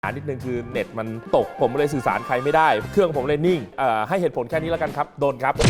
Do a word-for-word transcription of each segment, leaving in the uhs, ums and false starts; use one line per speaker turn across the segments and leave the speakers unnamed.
นิดนึงคือเน็ตมันตกผมเลยสื่อสารใครไม่ได้เครื่องผมเลยนิ่งเอ่อให้เหตุผลแค่นี้แล้วกันครับโดนครับ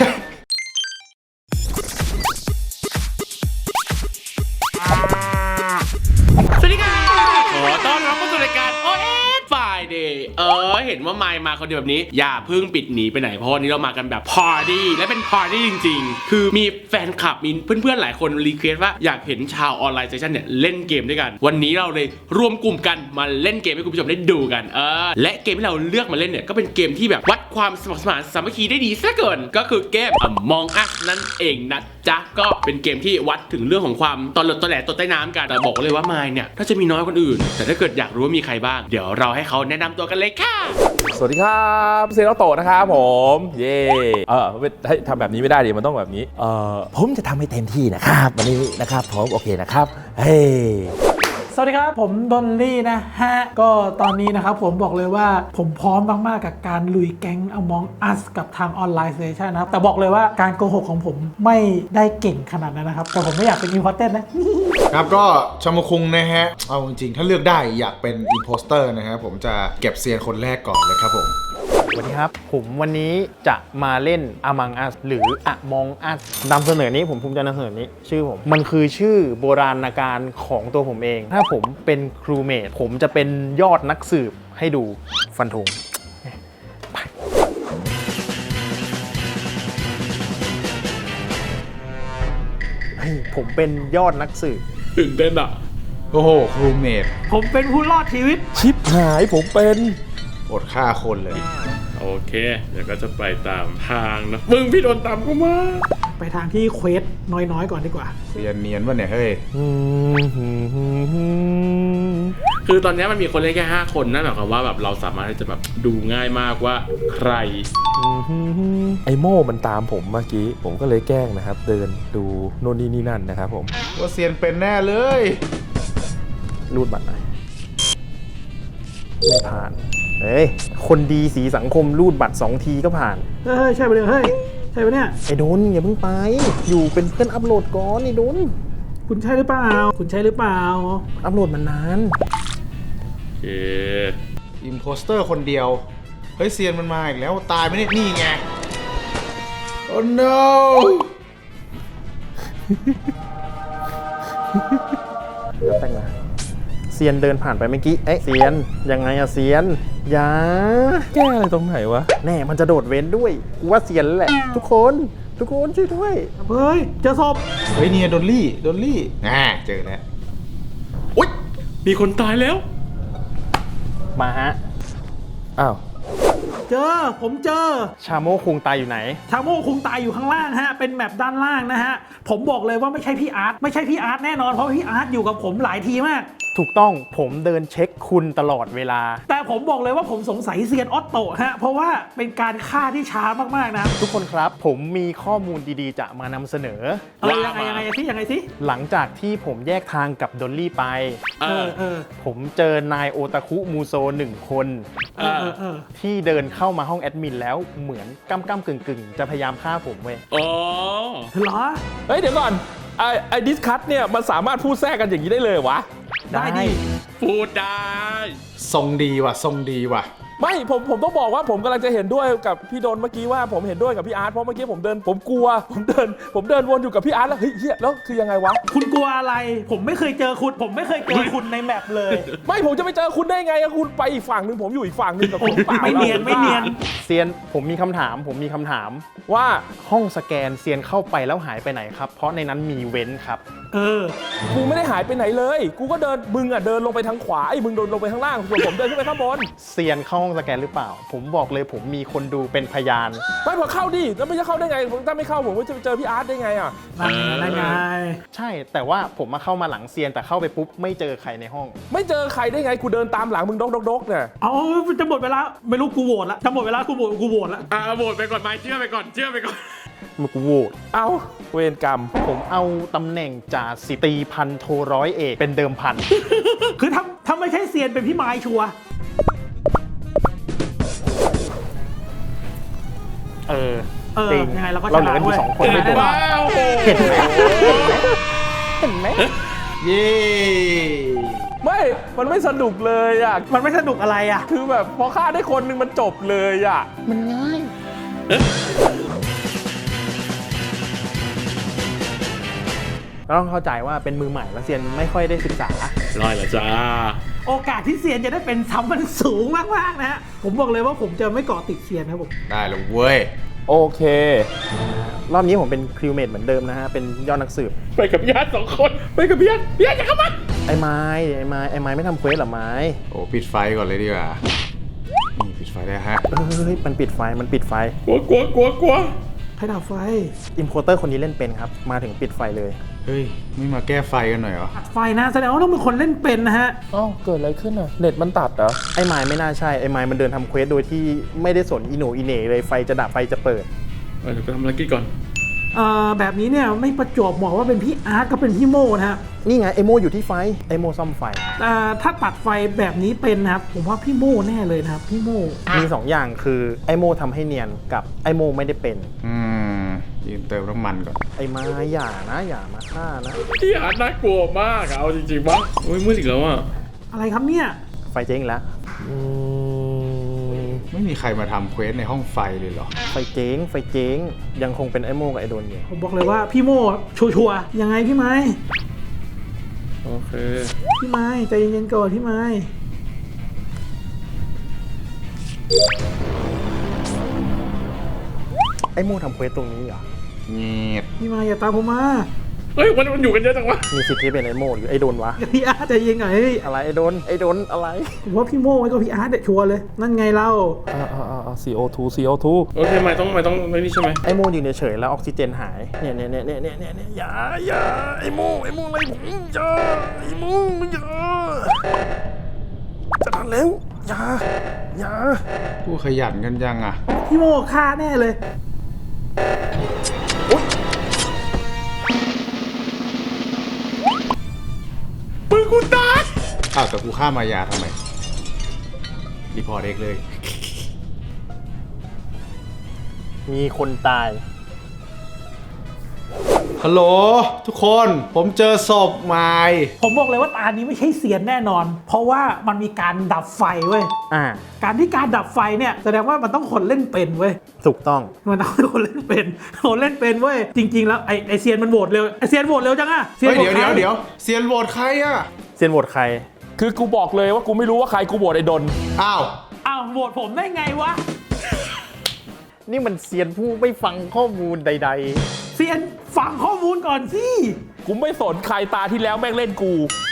สวัสดีค่ะขอต้อนรับเข้าสู่รายการ โอ เอส Friday เออเห็นว่าไมค์มาคนเดียวแบบนี้อย่าเพิ่งปิดหนีไปไหนเพราะวันนี้เรามากันแบบพาร์ตี้และเป็นพาร์ตี้จริงๆคือมีแฟนคลับมีเพื่อนๆหลายคนรีเควสว่าอยากเห็นชาวออนไลน์เซสชั่นเนี่ยเล่นเกมด้วยกันวันนี้เราเลยรวมกลุ่มกันมาเล่นเกมให้คุณผู้ชมได้ดูกันเออและเกมที่เราเลือกมาเล่นเนี่ยก็เป็นเกมที่แบบวัดความสมัครสมานสามัคคีได้ดีซะเกินก็คือเกม Among Us นั่นเองนะจ๊ะก็เป็นเกมที่วัดถึงเรื่องของความตอนหลดตอนแหลตดใต้น้ำกันแต่บอกเลยว่าไมค์เนี่ยถ้าจะมีน้อยคนอื่นแต่ถ้าเกิดอยากรู้ว่ามีใครบ้างเดี๋ยวเราให้เขาแนะนำตัวกันเลยค่ะ
สวัสดีครับเซโนโตะนะครับผมเย่เออให้ทำแบบนี้ไม่ได้ดิมันต้องแบบนี้เออผมจะทำให้เต็มที่นะครับวันนี้นะครับผมโอเคนะครับเฮ้
สวัสดีครับผมดนลี่นะฮะก็ตอนนี้นะครับผมบอกเลยว่าผมพร้อมมากๆกับการลุยแก๊ง Among Us กับทางออนไลน์เซสชั่นนะครับแต่บอกเลยว่าการโกหกของผมไม่ได้เก่งขนาดนั้นนะครับแต่ผมไม่อยากเป็นอินพอร์เตอร์นะ
ครับก็ชมคุงนะฮะเอาจริงๆถ้าเลือกได้อยากเป็นอินโพสเตอร์นะฮะผมจะเก็บเซียนคนแรกก่อนเลยครับผม
สวัสดีครับผมวันนี้จะมาเล่น Among Us หรือ Among Us นำเสนอนี้ผมภูมิใจนำเสนอนี้ชื่อผมมันคือชื่อโบราณการของตัวผมเองถ้าผมเป็นครูเมทผมจะเป็นยอดนักสืบให้ดูฟันธงเฮ้ยผมเป็นยอดนักสืบ
ตื่นเต้นอ่ะ
โอ้โหครูเมท
ผมเป็นผู้รอดชีวิต
ชิปหายผมเป็น
อดฆ่าคนเลย
โอเคเดี๋ยวก็จะไปตามทางนะมึงพี่โดนตามกูมา
ไปทางที่เควสน้อยๆก่อนดีกว่า
เรียนเนียนวะเนี่ยเฮ้ย
คือตอนนี้มันมีคนเล่นแค่ห้าคนนั่นหมายความว่าแบบเราสามารถที่จะแบบดูง่ายมากว่าใคร
ไอโม่มันตามผมเมื่อกี้ผมก็เลยแกล้งนะครับเดินดูโน่นนี่นี่นั่นนะครับผม
ว่าเซียนเป็นแน่เลย
รูดบัตรหน่อยไม่ผ่านเฮ้ยคนดีสีสังคมรูดบัตรสองทีก็ผ่าน
เฮ้ยใช่ปะเนี่ยเฮ้ยใช่ปะเนี่ย
ไอ้โดนอย่าเพิ่งไปอยู่เป็นเพื่อนอัพโหลดก่อนไอ้โดน
คุณใช่หรือเปล่าคุณใช่หรือเปล่า
อัพโหลดมันนาน
โอเค
อิมโพสเตอร์คนเดียวเฮ้ยเซียนมันมาอีกแล้วตายไหมเนี่ยนี่ไงโอ้ no
แล้วแต่งนะเซียนเดินผ่านไปเมื่อกี้เอ๊ะเซียนยังไงอะเซียนอย่า
แก้อะไรตรงไหนวะ
แน่มันจะโดดเว้นด้วยกูว่าเซียนแหละทุกคนทุกคนช่วยด้วย
เฮ้ยเจอศพ
เฮ้ยเนี่ยดอลลี่ดอลลี่อ่าเจอแล้ว
อุ๊ยมีคนตายแล้ว
มาฮะ
อ้าว
เจอผมเจอ
ชาโมคุงตายอยู่ไหน
ชาโมคุงตายอยู่ข้างล่างฮะเป็นแมปด้านล่างนะฮะผมบอกเลยว่าไม่ใช่พี่อาร์ตไม่ใช่พี่อาร์ตแน่นอนเพราะพี่อาร์ตอยู่กับผมหลายทีมาก
ถูกต้องผมเดินเช็คคุณตลอดเวลา
แต่ผมบอกเลยว่าผมสงสัยเซียนออตโตฮะเพราะว่าเป็นการฆ่าที่ช้ามากๆนะ
ทุกคนครับผมมีข้อมูลดีๆจะมานำเสนอ
เออยังไงยังไงสิยังไงสิ
หลังจากที่ผมแยกทางกับดอลลี่ไป
เออเออ
ผมเจอนายโอตาคุมูโซหนึ่งคน
เออเออ
ที่เดินเข้ามาห้องแอดมินแล้วเหมือนก้ำก้ำกึ่งกึ่งจะพยายามฆ่าผมเว้ย
อ๋อ
เหรอ
เฮ้ยเดี๋ยวก่อนไอไอดิสคัทเนี่ยมันสามารถพูดแทรกกันอย่างนี้ได้เลยวะ
ได้ดิ
พูดได้
ทรงดีว่ะทรงดีว่ะ
ไม่ผมผมต้องบอกว่าผมกำลังจะเห็นด้วยกับพี่โดนเมื่อกี้ว่าผมเห็นด้วยกับพี่อาร์ตเพราะเมื่อกี้ผมเดินผมกลัวผมเดินผมเดินวนอยู่กับพี่อาร์ตแล้วเฮ้ยเฮียแล้วคือยังไงวะ
คุณกลัวอะไรผมไม่เคยเจอคุณผมไม่เคยเจอคุณในแมปเลย
ไม่ผมจะไปเจอคุณได้ไงคุณไปอีกฝั่งหนึ่งผมอยู่อีกฝั่งหนึ่งกับคุณเปล่า
ไม่เนียนไม่เนียน
เซียนผมมีคำถามผมมีคำถาม
ว่า
ห้องสแกนเซียนเข้าไปแล้วหายไปไหนครับเพราะในนั้นมีเว้นครับ
เออ
กูไม่ได้หายไปไหนเลยกูก็เดินมึงอ่ะเดินลงไปทางขวาไอ้มึงเดินลงไปข้างล่างส่วนผมเดินขึ้นไปข้างบน
เซียนเข้าห้องสแกนหรือเปล่าผมบอกเลยผมมีคนดูเป็นพยาน
ไม่พอเข้าดิแล้วไม่จะเข้าได้ไงถ้าไม่เข้าผมจะเจอพี่อาร์ตได้ไงอ่ะ
นั่นไง
ใช่แต่ว่าผมมาเข้ามาหลังเซียนแต่เข้าไปปุ๊บไม่เจอใครในห้อง
ไม่เจอใครได้ไงกูเดินตามหลังมึงดกดกดกเนี่ย
เอาจะหมดเวลาไม่รู้กูโหวตแล้วจะหมดเวลากูโหวตกูโหวตแล้ว
อ่าโหวตไปก่อนไหมเชื่อไปก่อนเชื่อไปก่อน
มึงกูโหวต
เอาเวรกรรม
ผมเอาตำแหน่งจ่าสิบตีพันโทร้อยเอกเป็นเดิมพัน
คือถ้าถ้าไม่ใช่เซียนเป็นพี่ไม้ชัวร์
เออ
เออยังไงเราก็
เราเหลือกันอยู่สองคนไม่ตัวเห็นไหมเห็นไหม
เย้
ไม่ไม่มันไม่สนุกเลยอ่ะ
มันไม่สนุกอะไรอ่ะ
คือแบบพอฆ่าได้คนหนึงมันจบเลยอ่ะ
มันง่ายเราต้องเข้าใจว่าเป็นมือใหม่แล้วเซียนไม่ค่อยได้ศึกษา
ร้อยละจ้า
โอกาสที่เซียนจะได้เป็นซ้ำมันสูงมากๆนะฮะผมบอกเลยว่าผมจะไม่เกาะติดเซียนนะครับผม
ได้แล้วเว้ย
โอเค
รอบนี้ผมเป็นคริวเมทเหมือนเดิมนะฮะ เป็นยอดนักสืบ
ไปกับพี่อาร์ตสองคนไปกับพี่อาร์ตพี่อาร์ตจะเข้ามา
ไอ้ไม้ไอ้ไม้ไอ้ไม้ไม่ทำเควสเหรอไม้
โอ้ปิดไฟก่อนเลยดีกว่านี่ปิดไฟได้ฮะ
เฮ้ยมันปิดไฟมันปิดไฟ
กลัวกลัวกลัวกลัว
ใครดับไฟ
อิมโพเตอร์คนนี้เล่นเป็นครับ มาถึงปิดไฟเลย
เฮ้ยไม่มาแก้ไฟกันหน่อยเหรอ
ตัดไฟนะแสดงว่าต้องเป็นคนเล่นเป็นนะฮะ
เอ้าเกิดอะไรขึ้นอ่ะ เน็ตมันตัดเหรอ
ไอ้ไม้ไม่น่าใช่ไอ้ไม้มันเดินทำเควสโดยที่ไม่ได้สนอีโหนอีเหน่เลยไฟจะดับไฟจะเปิด
เดี๋ยวไปทำอะไรกินก่อน
เอ่อแบบนี้เนี่ยไม่ประจวบเหมาะว่าเป็นพี่อาร์ตก็เป็นพี่โมนะฮะ
นี่ไงไอโมอยู่ที่ไฟไอโมซ่อมไฟ
อ่าถ้าตัดไฟแบบนี้เป็นนะครับผมว่าพี่โมแน่เลยนะครับพี่โม
มีสองอย่างคือไอโมทำให้เนียนกับไอโมไม่ได้เป็น
อืมยืนเติมน้ำมันก่อน
ไอไม้อย่านะอย่ามาฆ่านะ
พี่อาร์ตน่ากลัวมากอะเอาจริงๆปะโอ้ยมืดอีกแล้วอะ
อะไรครับเนี่ย
ไฟเจ๊งแล้ว
อืม
ไม่มีใครมาทำเควสในห้องไฟเลยเหรอ
ไฟเจ๊งไฟเจ๊งยังคงเป็นไอโมกับไอโดนอยู่
ผมบอกเลยว่าพี่โมชัวร์ๆยังไงพี่ไม้
โอเค
พี่ไม้ใจเย็นๆก่อนพี่ไม้
ไอโมทำเควสตรงนี้เหรอ
เงียบ
พี่ไม้อย่าตามผมมา
เฮ้ยมันมันอยู่กันเยอะจังวะ
มีสิทธิ์ที่เป็นไอโมหรือไอโดนวะ
พี่อาร์ตใจเย็นก่อนเฮ้ย
อะไรไอโดนไอโดนอะไร
ผมว่าพี่โมไว้กับพี่อาร์ตเด็ดชัวร์เลยนั่นไงเล่า
อ่าอ่าอ่า ซี โอ ทู ซี โอ ทู
โอเคไม่ต้องไม่ต้องไม่นี่ใช่ไหม
ไอโมยืนเฉยๆแล้วออกซิเจนหายเนี่ยเนี่ยเนี่ยเนี่ยเนี่ยเนี่ยอย่าอย่าไอโมไอโมอะไรผมอย่าไอโมอย่าจะทันแล้วอย่าอย่า
ผู้ขยันกันยังอ่ะ
พี่โมฆ่าแน่เลย
ปืนกูตาย
อ้าวแต่กูฆ่ามายาทำไม รีพอร์ตเองเลย
มีคนตาย
ฮัลโหลทุกคนผมเจอศพใหม่
ผมบอกเลยว่าตานี้ไม่ใช่เซียนแน่นอน เพราะว่ามันมีการดับไฟเว้ย
อ่า
การที่การดับไฟเนี่ยแสดงว่ามันต้องคนเล่นเป็นเว้ย
ถูกต้อง
มันต้องคนเล่นเป็นคนเล่นเป็นเว้ยจริง ๆ แล้วไอไอเซียนมันโหวตเร็วไอเซียนโหวตเร็วจังอะเซียน
เฮ้ย
โหว
เดี๋ยว
ต
เดี๋ยวเดี๋ยวเซียนโหวตใครอ่ะ
เซียนโหวตใคร
คือกูบอกเลยว่ากูไม่รู้ว่าใครกูโหวตไอ้ดน
อ้าว
อ้าวโหวตผมได้ไงวะ
นี่มันเซียนผู้ไม่ฟังข้อมูลใด
เซียนฟังข้อมูลก่อนสิ
กูไม่สนใครตาที่แล้วแม่งเล่นกู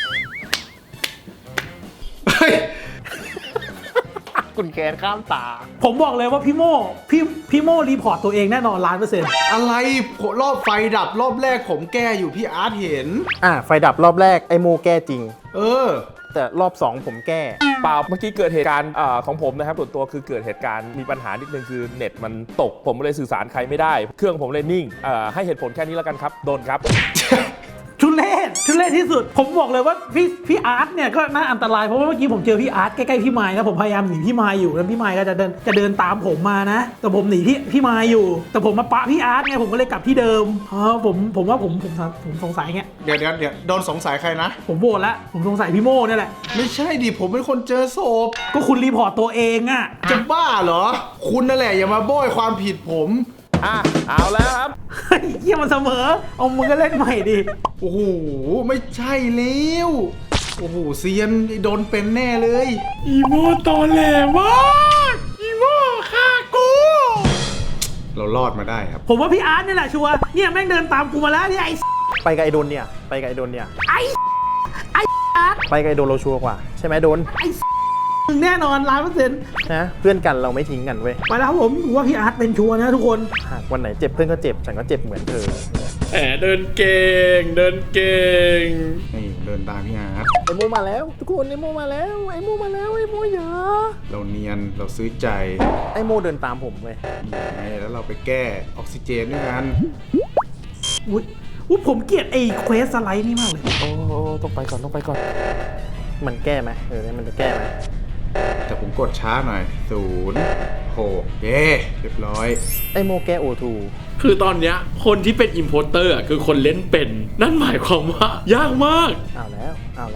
เฮ้ย
ๆ คุณแกนข้ามตา
ผมบอกเลยว่าพี่โมพี่พี่โมรีพอร์ตตัวเองแน่นอนล้านเปอร์เซ็นต์
อะไรรอบไฟดับรอบแรกผมแก้อยู่พี่อาร์ตเห็น
อ่าไฟดับรอบแรกไอโมแก้จริง
เออ
แต่รอบสองผมแก้
เปล่าเมื่อกี้เกิดเหตุการณ์อ่าของผมนะครับส่วนตัวคือเกิดเหตุการณ์มีปัญหานิดนึงคือเน็ตมันตกผมเลยสื่อสารใครไม่ได้ เครื่องผมเลยนิ่งอ่าให้เหตุผลแค่นี้แล้วกันครับโดนครับ
ทุเรศทุเรศที่สุด ผมบอกเลยว่าพี่พี่อาร์ตเนี่ยก็น่าอันตรายเพราะว่าเมื่อกี้ผมเจอพี่อาร์ตใกล้ๆพี่ไม้นะผมพยายามหนีพี่ไม้อยู่แล้วพี่ไม้ก็จะเดินจะเดินตามผมมานะ แต่ผมหนีพี่พี่ไม้อยู่ แต่ผมมาปะพี่อาร์ตไงผมก็เลยกลับที่เดิมอ๋อผมผมว่าผมผมผมสงสัยไง
เดี๋ยวเดี๋ยวเดี๋ยวโดนสงสัยใครนะ
ผมโหวตแล้วผมสงสัยพี่โม่เนี่ยแหละ
ไม่ใช่ดิผมเป็นคนเจอศพ
ก็คุณรีพอร์ตตัวเองอะ
จะบ้าเหรอ คุณนั่นแหละอย่ามาโบยความผิดผม
อ่ะเอาแล้วครับ
เฮ้ยเยี่ยมันเสมอเอามึงก็เล่นใหม่ดิ
โอ้โหไม่ใช่แล้วโอ้โหเซียนโดนเป็นแน่เลย
อีโมตอแหลมากอีโมฆ่ากู
เรารอดมาได้ครับ
ผมว่าพี่อาร์ตเนี่ยแหละชัวร์เนี่ยแม่งเดินตามกูมาแล้วเนี่ยไอ้
ไปกับไอโดนเนี่ย ไปกับไอโดนเนี่ย
ไอ้ไอ้อาร์ต
ไปกับไอโดนเราชัวร์กว่า ใช่ไหมโดน
ไอ้มึงแน่นอนล้านเปอร์เซ็นต์
นะเพื่อนกันเราไม่ทิ้งกันเว้ย
ไปแล้วครับผมผมว่าพี่อาร์ตเป็นชัวร์นะทุกคน
หากวันไหนเจ็บเพื่อนก็เจ็บ ฉันก็เจ็บเหมือนเธอ
แหมเดินเก่งเดินเก่ง
นี่เดินตามพี่อาร์ต
ไอโมมาแล้ว ทุกคนไอโมมาแล้วไอโมมาแล้วไอโมอย่า
เราเนียนเราซื้อใจ
ไอโมเดินตามผมเว้ย
ยังไงแล้วเราไปแก้ออกซิเจนด้วยกัน
อุ้ยอุ้ยผมเกลียดไอ้เควสสไลด์นี่มากเลย
โอ้ต้องไปก่อนต้องไปก่อน
มันแก้ไหมเออมันจะแก้ไหม
แต่ผมกดช้าหน่อยศูนย์หกเย้เรียบร้อย
ไอโมแก้โอทู
คือตอนเนี้ยคนที่เป็นอิมโพสเตอร์อ่ะคือคนเล่นเป็น นั่นหมายความว่ายากมาก
เอาแล้วเอาแล้ว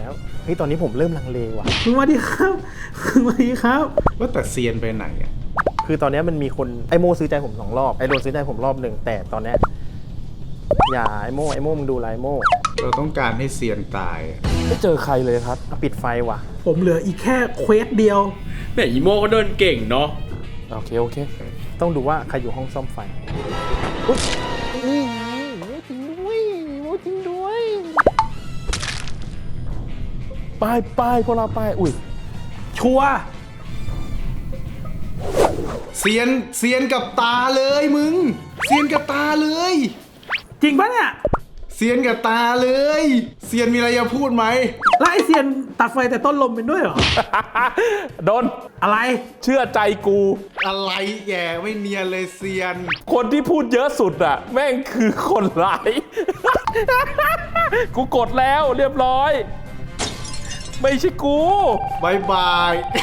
เฮ้ยตอนนี้ผมเริ่มลังเลว่ะ
สวัสดีครับสวัสดีครับ
ว่าแต่เซียนไปไหนอ่ะ
คือตอนนี้มันมีคนไอโมซื้อใจผมสองรอบไอโดนซื้อใจผมรอบหนึ่งแต่ตอนเนี้ยอย่าไอโมไอโมมึงดูไรโม
เราต้องการให้เซียนตายอะ
ไม่เจอใครเลยครับ
ปิดไฟว่ะ
ผมเหลืออีกแค่เควสเดียว
เนี่ยอีโมเขาเดินเก่งเนาะ
โอเค โอเค
ต้องดูว่าใครอยู่ห้องซ่อมไฟอุ๊ยนี่ไงโมจริงด้วยโมจริงด้วย
ป้ายป้ายพวกเราป้าย อุ้ย
ชัวร์
เซียนเซียนกับตาเลยมึงเซียนกับตาเลย
จริงปะเนี่ย
เซียนกับตาเลยเซียนมีอะไรจะพูดไหม
แล้วไอเซียนตัดไฟแต่ต้นลมเป็นด้วยเหรอ
โดน
อะไร
เชื่อใจกู
อะไรแย่ไม่เนียนเลยเซียน
คนที่พูดเยอะสุดอะแม่งคือคนร้าย กูกดแล้วเรียบร้อย ไม่ใช่กู
บายบาย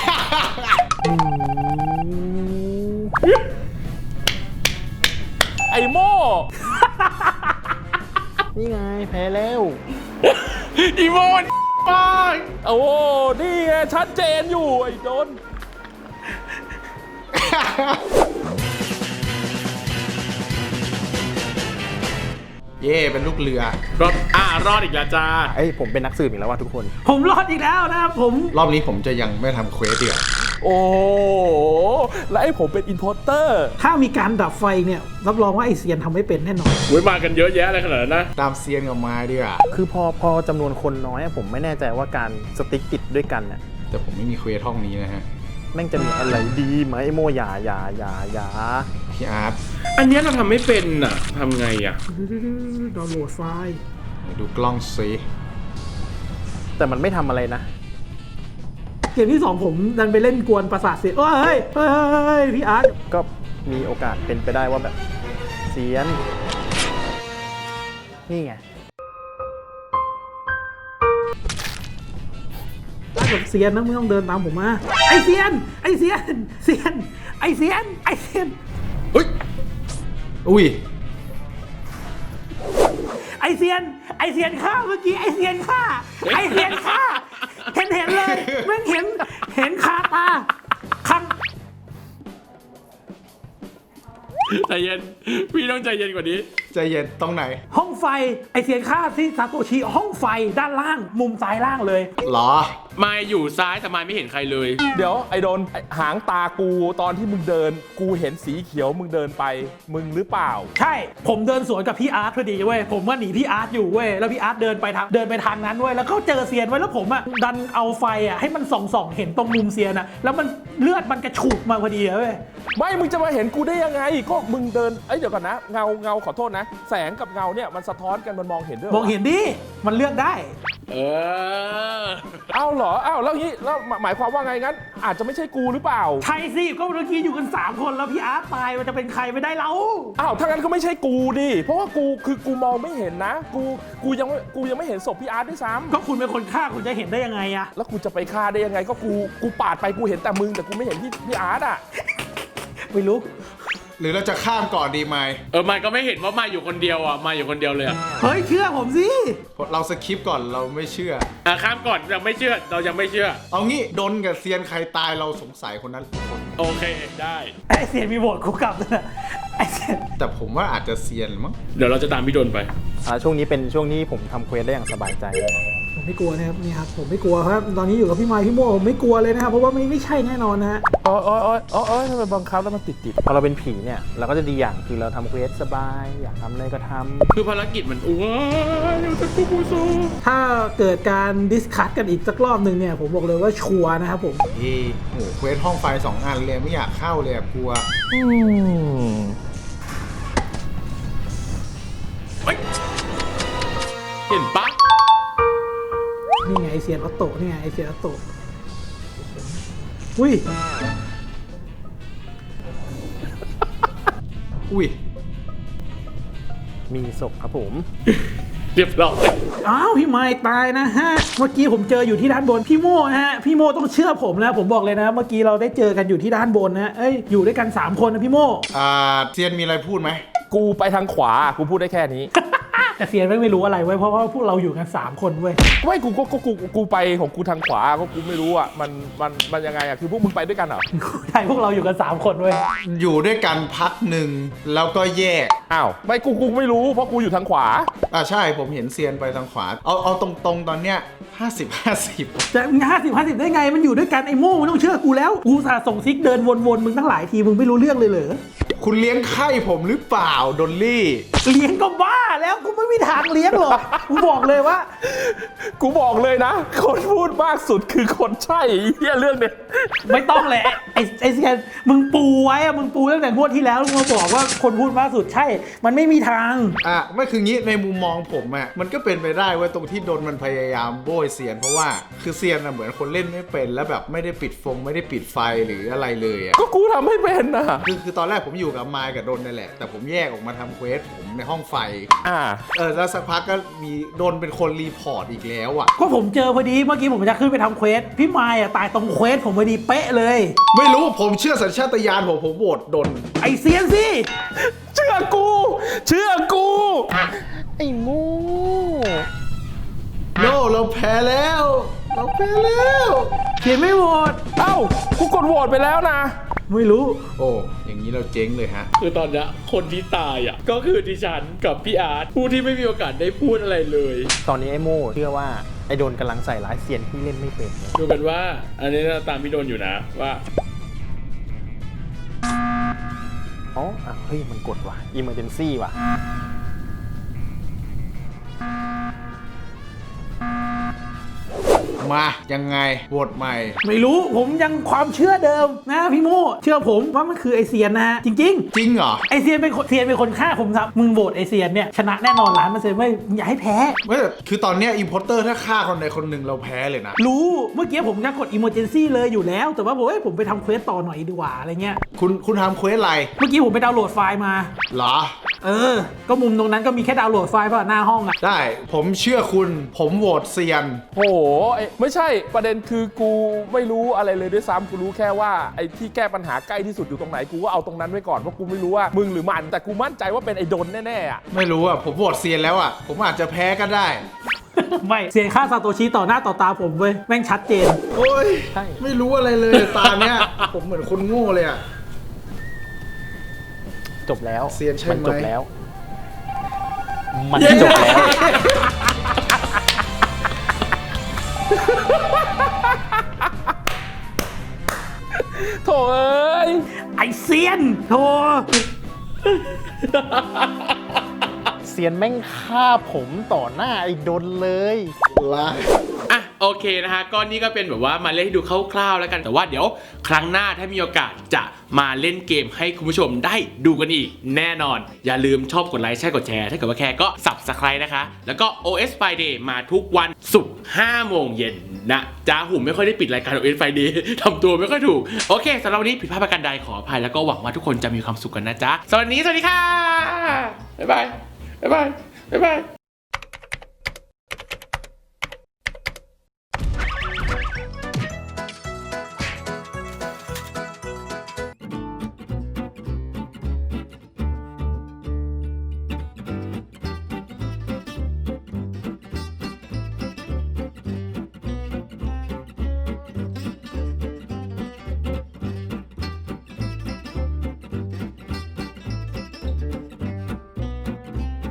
ไอ้โม่
นี่ไงแพ้แล้ว
อีโมนป้าย
โอ้นี่ไงชัดเจนอยู่ไอ้โดน
เย่เป็นลูกเรือ
รอดอ่ารอดอีกแล้วจ้า
ไอยผมเป็นนักสืบอีกแล้วว่ะทุกคน
ผมรอดอีกแล้วนะครับผม
รอบนี้ผมจะยังไม่ทำเควสเดียว
โอ้แล้วไอ้ผมเป็นอินพอร์เตอร์
ถ้ามีการดับไฟเนี่ยรับรองว่าไอเซียนทำไม่เป็นแน่นอน
อุ้ยมากันเยอะแยะเลยขนาดนั้นนะ
ตามเซียนกับไม้ดีกว่า
คือพอพอจำนวนคนน้อยอะผมไม่แน่ใจว่าการสติ๊กติดด้วยกันเนี่ย
แต่ผมไม่มีเควสห้องนี้นะฮะ
แม่งจะมีอะไรดีไหมไอโมอย่าอย่าอย่าอย่า
พี่อาร์ต
อันเนี้ยเราทำไม่เป็นอ่ะทำไงอ่ะ
ดาวน์โหลดไฟล์
ไหนดูกล้องซิ
แต่มันไม่ทำอะไรนะ
เกมที่สองผมดันไปเล่นกวนประสาทเสียเฮ้ยเฮ้ยเฮ้ยพี่อาร์ต
ก็มีโอกาสเป็นไปได้ว่าแบบเซียน นี่ไง
ถ้าเกิดเซียนนะมึงต้องเดินตามผมมาไอเซียนไอเซียนเซียนไอเซียนไอเซียน
เฮ้ย
อุ้ย
ไอเซียนไอเซียนฆ่าเมื่อกี้ไอเซียนฆ่าไอเซียนฆ่าเห็นเห็นเลยแม่งเห็นเห็นคาตาคัง
ใจเย็น พี่ต้องใจเย็นกว่านี้
ใจเย็นตรงไหน
ห้องไฟไอเซียนฆ่าที่ซาโตชิห้องไฟด้านล่างมุมซ้ายล่างเลย
หรอ
มายอยู่ซ้ายแต่มายไม่เห็นใครเลย
เดี๋ยวไอ้โดนไอ้หางตากูตอนที่มึงเดิน กูเห็นสีเขียวมึงเดินไป มึงหรือเปล่า
ใช่ผมเดินสวนกับพี่อาร์ตพอดีเว้ยผมก็หนีพี่อาร์ตอยู่เว้ยแล้วพี่อาร์ตเดินไปทางเดินไปทางนั้นเว้ยแล้วก็เจอเซียนไว้แล้วผมอ่ะดันเอาไฟอ่ะให้มันส่องส่องๆเห็นตรงมุมเซียนอ่ะแล้วมันเลือดมันกระฉูกมาพอดีเว้ย
ไม่ มึงจะมาเห็นกูได้ยังไง ก็มึงเดิน เอ้ยเดี๋ยวก่อนนะ เงาเงาขอโทษนะ แสงกับเงาเนี่ยมันสะท้อนกันมันมองเห็นด้วย
มองเห็นดิมันเลือกได้
เออ
เอ้าเหรอเอ้าแล้วงี้แล้วหมายความว่าไงงั้น อาจจะไม่ใช่กูหรือเปล่า
ใช่สิก็เมื่อกี้อยู่กันสามคนแล้วพี่อาร์ตตายมันจะเป็นใครไม่ได้เรา
อ้าวถ้างั้นก็ไม่ใช่กูดิเพราะว่ากูคือกูมองไม่เห็นนะ กูกูยังไม่กูยังไม่เห็นศพพี่อาร์ตด้วยซ้ำ
ก็คุณเป็นคนฆ่าคุณจะเห็นได้ยังไงอะ
แล้วกูจะไปฆ่าได้ยังไงก็กูกูปาดไปกูเห็นแต่มึงแต่กูไม่เห็นพี่พี่อาร์ตอ่ะ
ไม่รู้
หรือเราจะข้ามก่อนดีไหม
เออมายก็ไม่เห็นว่ามายอยู่คนเดียวอ่ะมายอยู่คนเดียวเลยอ่ะ
เฮ้ยเชื่อผมสิ
เราสคริปต์ก่อนเราไม่เชื่อ
อ่ะข้ามก่อนยังไม่เชื่อ เรายังไม่เชื่อ
เอางี้ดนกับเซียนใครตายเราสงสัยคนนั้นคน
โอเคได้
ไอเซียนมีโหวตคุกกลับด้วยนะไอเซียน
แต่ผมว่าอาจจะเซียนมั้ง
เดี๋ยวเราจะตามพี่โดนไป
อ่าช่วงนี้เป็นช่วงที่ผมทำเควสได้อย่างสบายใจเลย
ผมไม่กลัวนะครับนี่ครับผมไม่กลัวครับตอนนี้อยู่กับพี่ไมค์พี่โม่ผมไม่กลัวเลยนะครับเพราะว่าไม่ไม่ใช่แน่นอนนะฮะ
โอ้ยโอ้ยโอ้ยโอ้ยโอ้ยทำไมบังคับแล้วมันติดติด
พอเราเป็นผีเนี่ยเราก็จะดีอย่างคือเราทำเควสสบาย อยากทำอะไรก็ทำ
คือภารกิจมันอ้วนอยู่จะกูกูซู
ถ้าเกิดการดิสคัทกันอีกสักรอบหนึ่งเนี่ยผมบอกเลยว่าชัวร์นะครับผม
เฮ้ยโหเควสห้องไฟสองอันเลยไม่อยากเข้าเลยอะกลัว
อืม
เฮ้ยเห็นปะ
นี่ไงไอเซียนออโต้นี่ไงไอเซียนออโต้อุ้ย
อุ้ย
มีศพครับผม
เรียบร้อย
อ้าวพี่ไมค์ตายนะฮะเมื่อกี้ผมเจออยู่ที่ด้านบนพี่โม่ฮะพี่โม่ต้องเชื่อผมนะผมบอกเลยนะเมื่อกี้เราได้เจอกันอยู่ที่ด้านบนนะเอ้ยอยู่ด้วยกันสามคนนะพี่โม่
อ่าเซียนมีอะไรพูดไหม
กูไปทางขวากูพูดได้แค่นี้
แต่เซียนไม่รู้อะไรเว้ยเพราะว่าพวกเราอยู่กันสามคนเว้ย
ไม่กูก็กูกูกูไปของกูทางขวาก็กูไม่รู้อ่ะมันมันมันยังไงอ่ะคือพวกมึงไปด้วยกันเหรอ
ใช่พวกเราอยู่กันสามคนเว้ย
อยู่ด้วยกันพักหนึ่งแล้วก็แยก
อ้าวไม่กูกูไม่รู้เพราะกูอยู่ทางขวา
อ่าใช่ผมเห็นเซียนไปทางขวา เอาเอาตรงๆตอนเนี้ยห้าสิบ ห้าสิบ
จะห้าสิบห้าสิบได้ไงมันอยู่ด้วยกันไอ้โม่มันต้องเชื่อกูแล้วกูสาส่งซิกเดินวนๆมึงตั้งหลายทีมึงไม่รู้เรื่องเลยเหรอ
คุณเลี้ยงไข่ผมหรือเปล่าดอลลี่
เลี้ยงก็บ้าแล้วกูไม่มีทางเลี้ยงหรอกกูบอกเลยว่า
กูบอกเลยนะ คนพูดมากสุดคือคนใช่ไอ้เหี้ยเรื่องเนี้ย
ไม่ต้องแหละไอ้ไอ้เซียนมึงปูไว้อะมึงปูตั้งแต่งวดที่แล้วมึงมาบอกว่าคนพูดมากสุดใช่ มันไม่มีทาง
อ่ะไม่คืองี้ในมุมมองผมอ่ะมันก็เป็นไปได้เว่าตรงที่ดนมันพยายามโบยเซียนเพราะว่าคือเซียนอ่ะเหมือนคนเล่นไม่เป็นแล้วแบบไม่ได้ปิดฟงไม่ได้ปิดไฟหรืออะไรเลยอ่ะ
ก็กูทำให้เป็นนะ
คือคือตอนแรกผมอยู่กับไมค์กับดนนั่นแหละแต่ผมแยกออกมาทำเควสผมในห้องไฟ
อ่า
เออแล้วสักพักก็มีดนเป็นคนรีพอร์ตอีกแล้วอ่ะ
ก็ผมเจอพอดีเมื่อกี้ผมจะขึ้นไปทำเควสพี่มายอะตายตรงเควสผมพอดีเป๊ะเลย
ไม่รู้ผมเชื่อสัญชาตญาณผมผมโหวตดน
ไอเซียนสิ
เชื่อกู เชื่อกู
ไอ้มู
โนเราแพ้แล้ว เราแพ้แล้ว
เขียนไม่หมด
เอ้ากูกดโหวตไปแล้วนะ
ไม่รู้
โอ้อย่างนี้เราเจ๊งเลยฮะ
คือตอนเนี้ยคนที่ตายอ่ะก็คือดิฉันกับพี่อาร์ตผู้ที่ไม่มีโอกาสได้พูดอะไรเลย
ตอนนี้ไอ้โม่เชื่อว่าไอ้โดนกำลังใส่ร้ายเซียนที่เล่นไม่เป็น
ดูกันว่า อันนี้เราตามพี่โดนอยู่นะว่า
อ๋ออ่ะเฮ้ยมันกดว่ะ emergency ว่ะ
มายังไงโหวตใหม่
ไม่รู้ผมยังความเชื่อเดิมนะพี่โมเชื่อผมว่ามันคือไอเซียนนะฮะจริง
จริงเหรอ
ๆไอเซียนเป็นคนเซียนเป็นคนฆ่าผมครับมึงโหวตไอเซียนเนี่ยชนะแน่นอนล้านเปอร์เซ็นต์ไม่อย่าให้แพ้
ไม่แต่คือตอนเนี้ยอิมพอร์เตอร์ถ้าฆ่าคนใดคนหนึ่งเราแพ้เลยนะ
รู้เมื่อกี้ผมจะกด emergency เลยอยู่แล้ว แต่ว่าผมเอ้ยผมไปทำเควสต่อหน่อยดีกว่าอะไรเงี้ย
คุณคุณทำเควสอะไร
เมื่อกี้ผมไปดาวน์โหลดไฟล์มา
เหรอ
เออ ก็มุมตรงนั้นก็มีแค่ดาวน์โหลดไฟล์ป่ะหน้าห้องอะ
ได้ผมเชื่อคุณผมโหวตเซียน
โอ้โหไอ้ไม่ใช่ประเด็นคือกูไม่รู้อะไรเลยด้วยซ้ำกูรู้แค่ว่าไอ้ที่แก้ปัญหาใกล้ที่สุดอยู่ตรงไหนกูก็เอาตรงนั้นไว้ก่อนเพราะกูไม่รู้ว่ามึงหรือมันแต่กูมั่นใจว่าเป็นไอ้ดนแน่ๆอ่ะ
ไม่รู้อ่ะผมโหวตเซียนแล้วอ่ะผมอาจจะแพ้ก็ได้
ไม่เสียงฆ่าซาโตชิต่อหน้าต่อตาผมเว้ยแม่งชัดเจน
โอ้ย
ใช่
ไม่รู้อะไรเลยตาเนี้ย ผมเหมือนคนโง่เลยอ่ะ
จบแล้ว
เซียนใช่ไหม
มันจบแล้ว มันจบแล้ว
โถเอ้ย
ไอเซียนโธ่
เซียนแม่งฆ่าผมต่อหน้าไอ้โดนเลย
ลา
อ่ะโอเคนะฮะก็นี่ก็เป็นแบบว่ามาเล่นให้ดูคร่าวๆแล้วกันแต่ว่าเดี๋ยวครั้งหน้าถ้ามีโอกาสจะมาเล่นเกมให้คุณผู้ชมได้ดูกันอีกแน่นอน อย่าลืมชอบกดไลค์ใช่กดแชร์ถ้าเกิดว่าแค่ก็ Subscribe นะคะ แล้วก็ โอ เอส Friday มาทุกวันศุกร์ห้าโมงเย็นนะจ้าหุ่มไม่ค่อยได้ปิดรายการ โอ เอส Friday ทำตัวไม่ค่อยถูกโอเคสำหรับวันนี้ผิดพลาดประการใดขออภัยแล้วก็หวังว่าทุกคนจะมีความสุขกันนะจ๊ะสวัสดีสวัสดีค่ะบ๊ายบายบ๊ายบายบ๊ายบาย